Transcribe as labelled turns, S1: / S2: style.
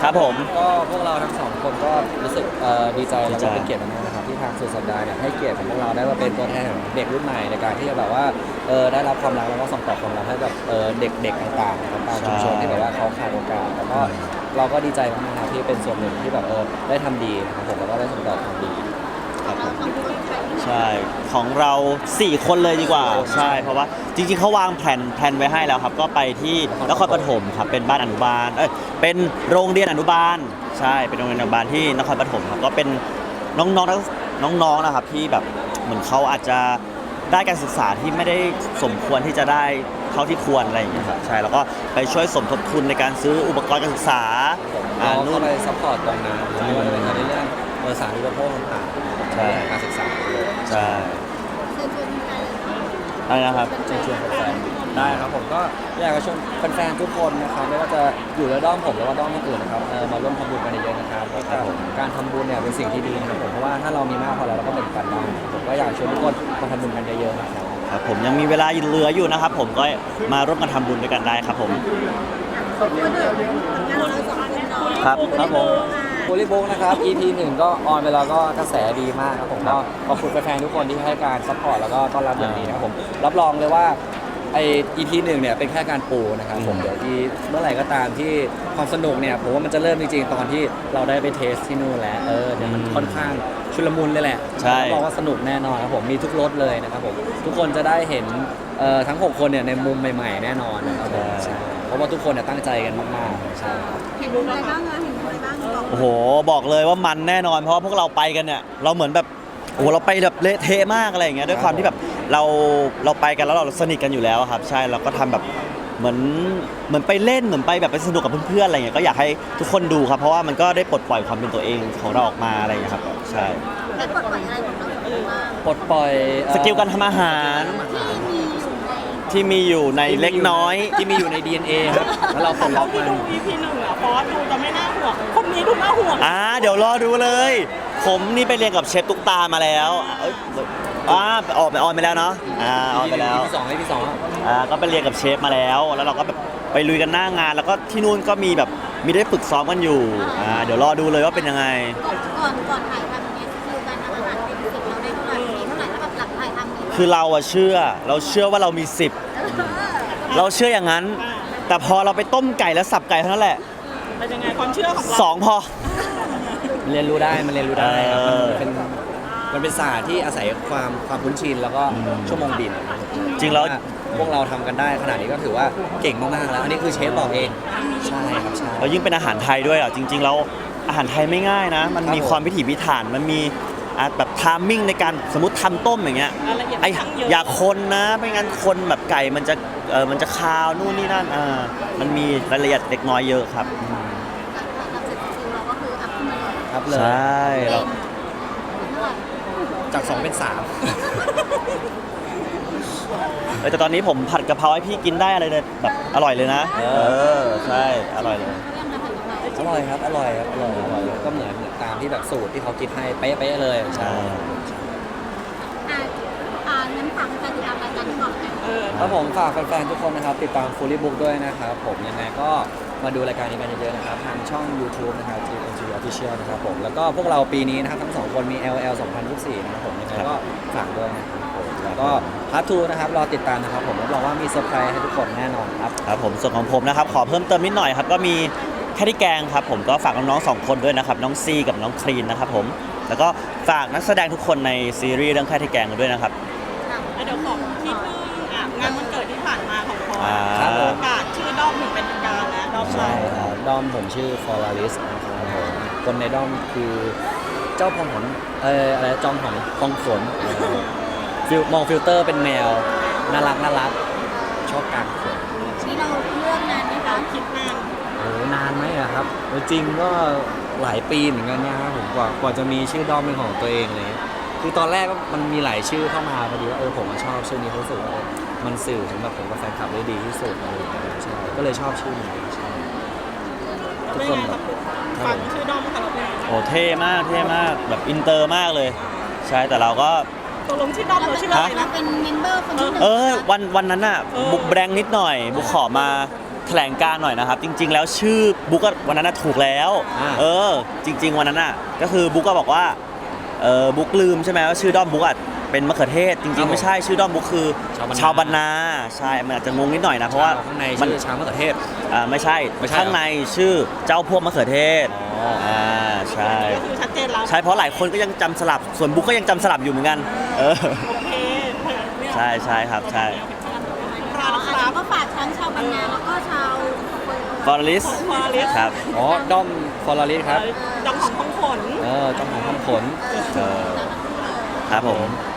S1: ครับผม
S2: ก็พวกเราทั้งสองคนก็รู้สึกดีใจแล้วก็เป็นเกียรติมากนะครับที่ทางสุดสัปดาห์เนี่ยให้เกียรติของพวกเราได้มาเป็นตัวแทนของเด็กรุ่นใหม่ในการที่จะแบบว่าได้รับความรักแล้วก็ส่งต่อความรักให้กับเด็กๆต่างๆนะครับตามชุมชนที่แบบว่าเขาขาดโอกาสแล้วก็เราก็ดีใจมากๆนะครับที่เป็นส่วนหนึ่งที่แบบได้ทำดีนะครับผมแล้วก็ได้ส่งต่อความดี
S1: ครับผมใช่ของเรา4คนเลยดีกว่าใช่เพราะว่าจริงๆเขาวางแผนไว้ให้แล้วครับก็ไปที่นครปฐมครับเป็นบ้านอนุบาลเป็นโรงเรียนอนุบาลใช่เป็นโรงเรียนอนุบาลที่นครปฐมครับก็เป็นน้องๆนะครับที่แบบเหมือนเขาอาจจะได้การศึกษาที่ไม่ได้สมควรที่จะได้เท่าที่ควรอะไรอย่างเงี้ยครับใช่แล้วก็ไปช่วยสมทบทุนในการซื้ออุปกรณ์การศึกษา
S2: เราเข้าไปซัพพอร์ตตรงนั้นไม่ว่าจะเป็นในเรื่องสาธารณูปโภคต่างๆใช่การศึกษา
S1: ใช่อะไรนะครับ
S2: เชิญชวนแฟนๆได้ครับผมก็อยากจะชวนแฟนๆทุกคนนะครับไม่ว่าจะอยู่ในด้อมผมหรือว่าด้อมอื่นนะครับมาร่วมทำบุญกันเยอะๆนะครับเพราะการทำบุญเนี่ยเป็นสิ่งที่ดีนะครับผมเพราะว่าถ้าเรามีมากพอแล้วเราก็แบ่งปันได้ผมก็อยากชวนทุกคนมาทำบุญกันเยอะๆนะครับ
S1: ครับผมยังมีเวลาเหลืออยู่นะครับผมก็มาร่วมกันทำบุญด้วยกันได้ครับผม
S2: ครับครับผมโพลิบุ๊กนะครับ EP 1ก็ออนไปแล้วก็กระแสดีมากครับผมก็ขอบคุณแฟนๆทุกคนที่ให้การซัพพอร์ตแล้วก็ต้อนรับอย่างดีนะครับผมรับรองเลยว่าไอ EP 1เนี่ยเป็นแค่การปูนะครับผมเดี๋ยวที่เมื่อไหร่ก็ตามที่ความสนุกเนี่ยผมว่ามันจะเริ่มจริงๆตอนที่เราได้ไปเทสที่นู่นแล้วเดี๋ยวมันค่อนข้างชุลมุนเลยแหละ
S1: ใช่
S2: บอกว่าสนุกแน่นอนครับผมมีทุกรสเลยนะครับผมทุกคนจะได้เห็นทั้ง6คนเนี่ยในมุมใหม่ๆแน่นอนนะครับเพราะว่าทุกคนเนี่ยตั้งใจกันมากๆใช่
S3: เห็นอะไรบ้างนะเห็นอะไรบ้างบอก
S1: โอ้โหบอกเลยว่ามันแน่นอนเพราะว่าพวกเราไปกันเนี่ยเราเหมือนแบบโอ้เราไปแบบเละเทะมากอะไรอย่างเงี้ยด้วยความที่แบบเราไปกันแล้วเราสนิทกันอยู่แล้วครับใช่เราก็ทำแบบเหมือนไปเล่นเหมือนไปแบบไปสนุกกับเพื่อนๆอะไรอย่างเงี้ยก็อยากให้ทุกคนดูครับเพราะว่ามันก็ได้ปลดปล่อยความเป็นตัวเองของเราออกมาอะไรอย่างเงี้ยครับใช่
S3: ได้ปลดปล่อยอะไรของเราบ้าง
S2: ปลดปล่อย
S1: สกิลการทำอาหารที่มีอยู่ในเล็กน้อย
S2: ที่มีอยู่ใน DNA ครับแล้วเราปลดล็อกมัน
S4: ดู EP 1อ่ะฟอสดูจะไม่น่าห่วงคนนี้ดูน่าห่วง
S1: เดี๋ยวรอดูเลยผมนี่ไปเรียนกับเชฟตุ๊กตามาแล้วออนไปแล้วเนาะออนไปแล้ว
S2: พี่สอง
S1: ก็ไปเรียนกับเชฟมาแล้วเราก็แบบไปลุยกันหน้างานแล้วก็ที่นู่นก็มีแบบมีได้ฝึกซ้อมกันอยู่เดี๋ยวรอดูเลยว่าเป็นยังไง
S3: ก่อนถ่ายทำเนี่ยคือการทำอาหารเป็นสิ่งเราได้เท่าไหร่มีเท่าไหร่แล้วแบบหลังถ่ายทำเนี่ย
S1: คือเราเชื่อว่าเรามี10เราเชื่ออย่างนั้นแต่พอเราไปต้มไก่แล้วสับไก่เท่านั้นแหละ
S4: เป็นยังไงความเชื่อของเรา
S1: 2พอ
S2: มันเรียนรู้ได้ครับมันเป็นศาสตร์ที่อาศัยความคุ้นชินแล้วก็ชั่วโมงบิน
S1: จริงแล้ว
S2: พวกเราทำกันได้ขนาดนี้ก็ถือว่าเก่งมากๆแล้วอันนี้คือเชฟบอกเองใช่ครับใช่
S1: แล้วยิ่งเป็นอาหารไทยด้วยจริงๆแล้วอาหารไทยไม่ง่ายนะมันมีความพิถีพิถันมันมีแบบไทมิ่งในการสมมติทำต้มอย่างเงี้ยอย่าคนนะไม่งั้นคนแบบไก่มันจะคาวนู่นนี่นั่นมันมีรายละเอียดเล็กน้อยเยอะครับ
S2: ครับเลย
S1: ใช่เรา
S2: จาก2เป็น3
S1: แต่ตอนนี้ผมผัดกะเพราให้พี่กินได้อะไรเลยแบบอร่อยเลยนะใช่อร่อยเลย
S2: อร่อยครับอร่อยก็เหมือนตามที่แบบสูตรที่เขาคิดให้เป๊ะๆเลยใช่
S3: งั้นฝากการติดตามรายการที่บอกกัน
S2: ครับผมฝากแฟนๆทุกคนนะครับติดตาม Fully Book ด้วยนะครับผมยังไงก็มาดูรายการนี้กันเยอะๆนะครับทางช่อง YouTube นะครับ TNG Official นะครับผมแล้วก็พวกเราปีนี้นะครับทั้ง2คนมี LL 2024นะครับผมยังไงก็ฝากด้วยนะครับผมแล้วก็พาร์ท 2นะครับรอติดตามนะครับผมรับรองว่ามีเซอร์ไพรส์ให้ทุกคนแน่นอนครับ
S1: ครับผมส่วนของผมนะครับขอเพิ่มเติมนิดหน่อยครับก็มีแค่ที่แกงครับผมก็ฝากน้องๆ2คนด้วยนะครับน้องซีกับน้องคลีนนะครับผมแล้วก็ฝากนักแสดงทุกคนในซีรีส์เรื่องแค่ที่แกงด้วยนะครับ
S4: เดี๋ยวขอนิดนึงงานวันเกิดที่ผ่านมาของพอประกาศชื่อด้อมถึงเป็นทางการแล้วด้อมใช่
S2: ครับด้อมผมชื่อ Folaris นะครับผมคนในด้อมคือเจ้าพองหนอะไรจอมหนพองฝนมองฟิลเตอร์เป็นแมวน่ารักชอบการฝน
S3: นี่เราเลือกนานไหมคะ
S4: คิดนาน
S2: นานไหมอะครับจริงก็หลายปีเหมือนกันนะครับผมกว่าจะมีชื่อด้อมเป็นของตัวเองเลยคือตอนแรกมันมีหลายชื่อเข้ามาพอดีว่าผมชอบชื่อนี้รู้สึกว่ามันสื่อถึงแบบผมกับแฟนคลับได้ดีที่สุดอะไรอย่างเงี้ยใช่ก็เลยชอบชื่อนี้ใช่
S4: ทุกคนแบบฟังชื่อด้อมค่ะเราเป็น
S1: โอ้เท่มากแบบอินเตอร์มากเลยใช่แต่เราก็
S4: ตกลงชื่อด้อมเราชื่ออะไรนะ
S3: เป็นเมมเบอร์คนที่
S1: วันนั้นน่ะบุกแบงนิดหน่อยบุกขอมาแถลงการณ์หน่อยนะครับ จริง ๆ แล้วชื่อบุ๊กก็วันนั้นน่ะถูกแล้ว จริง ๆ วันนั้นน่ะก็คือบุ๊กก็บอกว่าบุ๊กลืมใช่ไหมว่าชื่อด้อมบุ๊กอ่ะเป็นมะเขือเทศ จริง ๆ ไม่ใช่ชื่อด้อมบุ๊กคือ
S2: ชาวบรรณา
S1: ชาวบรรณาใช่มันอาจจะงงนิดหน่อยนะเพราะว่า
S2: ข้างใน
S1: มัน
S2: ชื่อชามะเขือเทศ
S1: ไม่ใช่
S2: ไม่ใช่
S1: ข้างในชื่อเจ้าพวกมะเขือเทศ
S2: อ๋อ
S1: ใช่
S4: ก็คือชัดเจนแล้ว
S1: ใช่เพราะหลายคนก็ยังจำสลับส่วนบุ๊กก็ยังจำสลับอยู่เหมือนกัน
S4: โอเคเนี่ย
S1: ใช่ครับใช่
S3: แล้วก็ฝากทั้งชาวบรรณาแล้วก็ชาว
S1: ฟอร์ลิส
S4: ฟอร์ลิส
S1: ครับ
S2: อ๋อด้อมฟอร์ลาริสครับ
S4: ดองของท้องขน
S2: ด้อมของห้องขน
S1: ครับผม
S2: ค